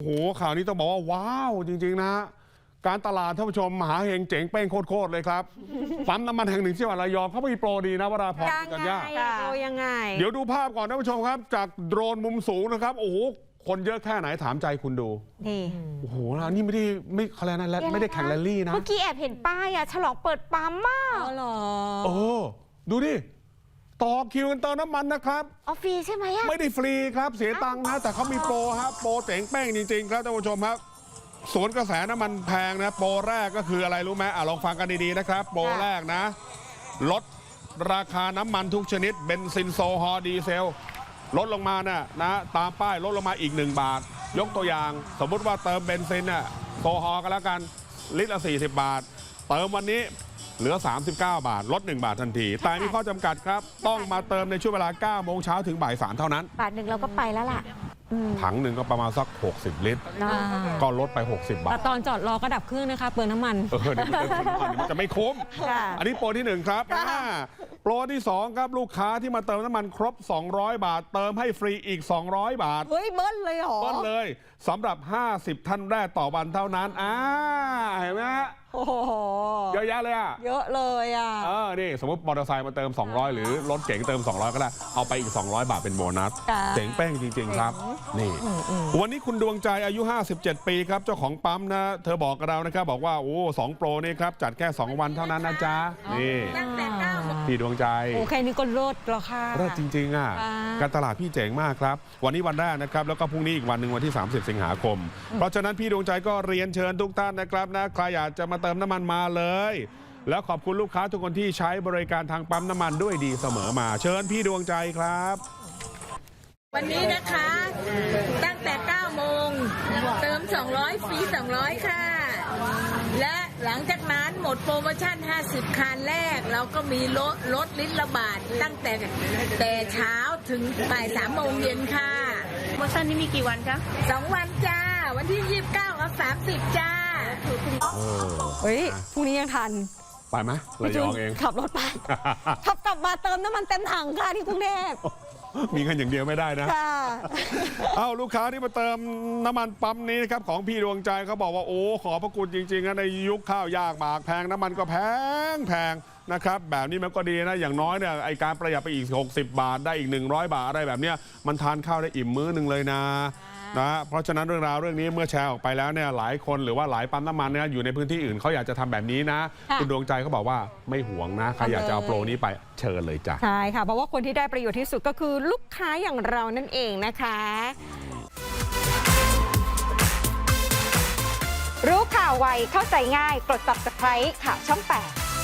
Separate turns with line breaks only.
ข่าวนี้ต้องบอกว่าว้าวจริงๆนะการตลาดท่านผู้ชมมหาเฮงเจ๋งเป้งโคตรเลยครับปั๊มน้ำมันแห่งหนึ่งที่จังหวัดระยองเขามีโปรดีนะวราพรกันยา
โปรยังไง
เดี๋ยวดูภาพก่อนท่านผู้ชมครับจากโดรนมุมสูงนะครับโอ้โหคนเยอะแค่ไหนถามใจคุณดู
นี่
โอ้โหนี่ไม่เขาเรียกนะไม่ได้แข่งแรลลี่นะ
เมื่อกี้แอบเห็นป้ายอะฉลองเปิดปั๊มมาก
อ๋อเหรอ
ดูดิต่อคิวกันเติมน้ำมันนะครับ
ฟรีใช่ไหมอะ
ไม่ได้ฟรีครับเสียตังค์นะแต่เขามีโปรครับโปรเจ๋งแป้งจริงๆครับท่านผู้ชมครับสวนกระแสน้ำมันแพงนะโปรแรกก็คืออะไรรู้ไหมลองฟังกันดีๆนะครับโปรแรกนะลดราคาน้ำมันทุกชนิดเบนซินโซฮอล์ดีเซลลดลงมานะตามป้ายลดลงมาอีก1 บาทยกตัวอย่างสมมุติว่าเติมเบนซินโซฮอล์กันแล้วกันลิตรละ40 บาทเติมวันนี้เหลือ39 บาทลด1 บาททันทีแต่มีข้อจำกัดครับต้องมาเติมในช่วงเวลา 9 โมงเช้าถึงบ่าย 3เท่านั้น
บาทหนึ่งเราก็ไปแล้วล่ะ
ถังหนึ่งก็ประมาณสัก60 ลิตรก็ลดไป60 บาท
แต่ตอนจอดรอก็ดับเครื่องนะคะเปลืองน้ำมัน
เดี๋ยวมันจะไม่คุ้มอันนี้โปรที่1ครับโปรที่2ครับลูกค้าที่มาเติมน้ำมันครบ200 บาทเติมให้ฟรีอีก200 บาท
เฮ้ยเบิ้ลเลยเหรอ
เบิ้ลเลยสำหรับ50ท่านแรกต่อวันเท่านั้นเห็นไหม
โอ้โห
เยอะแยะเลย
เยอะเลย
นี่สมมติมอเตอร์ไซค์มาเติม200หรือรถเก๋งเติม200ก็ได้เอาไปอีก200 บาทเป็นโบนัสเจ๋งแป้งจริงๆครับนี่วันนี้คุณดวงใจอายุ57 ปีครับเจ้าของปั๊มนะเธอบอกกับเรานะครับบอกว่า2โปรนี่ครับจัดแค่2 วันเท่านั้นนะจ๊ะนี่พี่ดวงใจ
แค่นี้ก็ลดราคา
ลดจริงๆการตลาดพี่เจ๋งมากครับวันนี้วันแรกนะครับแล้วก็พรุ่งนี้อีกวันหนึ่งวันที่30 สิงหาคมเพราะฉะนั้นพี่ดวงใจก็เรียนเชิญทุกท่านนะครับนะใครอยากจะมาเติมน้ำมันมาเลยแล้วขอบคุณลูกค้าทุกคนที่ใช้บริการทางปั๊มน้ำมันด้วยดีเสมอมาเชิญพี่ดวงใจครับ
วันนี้นะคะตั้งแต่ 9 โมงเติม200ฟรี200ค่ะและหลังจากนั้นหมดโปรโมชั่น50คันแรกเราก็มีลดลิตรละบาทตั้งแต่เช้าถึงบ่าย3 โมงเย็นค่ะ
โปรโมชั่นนี้มีกี่วันคะ
2 วันจ้าวันที่29กับ30จ้า
เฮ้ยพรุ่งนี้ยังทัน
ไปไหมระยองเอง
ขับรถไปขับกลับมาเติมน้ำมันเต็มถังค่ะที่กรุงเทพ
มีเงินอย่างเดียวไม่ได้นะลูกค้าที่มาเติมน้ำมันปั๊มนี้นะครับของพี่ดวงใจเขาบอกว่าขอพระคุณจริงๆนะในยุคข้าวยากหมากแพงน้ำมันก็แพงนะครับแบบนี้มันก็ดีนะอย่างน้อยเนี่ยไอการประหยัดไปอีก60 บาทได้อีก100 บาทอะไรแบบเนี้ยมันทานข้าวได้อิ่มมื้อหนึ่งเลยนะเพราะฉะนั้นเรื่องราวเรื่องนี้เมื่อแชร์ออกไปแล้วเนี่ยหลายคนหรือว่าหลายปั๊มน้ำมันเนี่ยอยู่ในพื้นที่อื่นเขาอยากจะทำแบบนี้นะคุณดวงใจเขาบอกว่าไม่หวงนะใครอยากจะเอาโปรนี้ไปเชิญเลยจ้ะ
ใช่ค่ะเพราะว่าคนที่ได้ประโยชน์ที่สุดก็คือลูกค้าอย่างเรานั่นเองนะคะ
รู้ข่าวไวเข้าใจง่ายกด Subscribe ข่าวช่อง 8